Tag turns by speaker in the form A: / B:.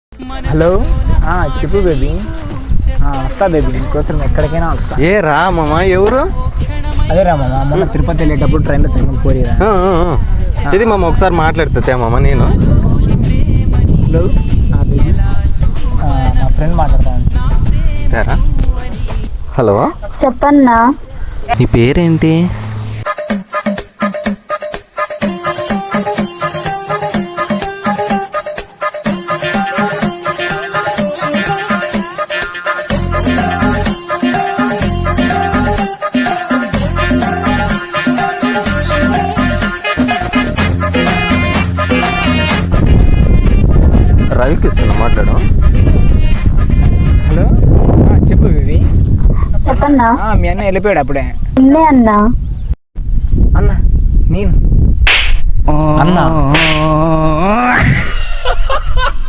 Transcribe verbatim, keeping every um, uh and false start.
A: Hello చెప్పు baby. వస్తా baby, నీకోసం ఎక్కడికైనా వస్తా.
B: ఏ రా మామ, ఎవరు?
A: అదే రా మామ, మొన్న తిరుపతి వెళ్ళేటప్పుడు ట్రైన్లో తిరుమల పోయిరా.
B: ఇది మామ ఒకసారి మాట్లాడుతుంటే మామ నేను.
A: హలో బేబీ, మా ఫ్రెండ్ మాట్లాడతాను.
B: హలో
C: చెప్పన్నా.
B: నీ పేరేంటి? రవికి ఇస్తున్నా మాట్లాడు.
A: హలో చెప్పు బేబీ.
C: చెప్పన్నా.
A: మీ అన్న వెళ్ళిపోయాడు అప్పుడే.
C: ఇల్లే అన్నా.
A: అన్న నేను అన్నా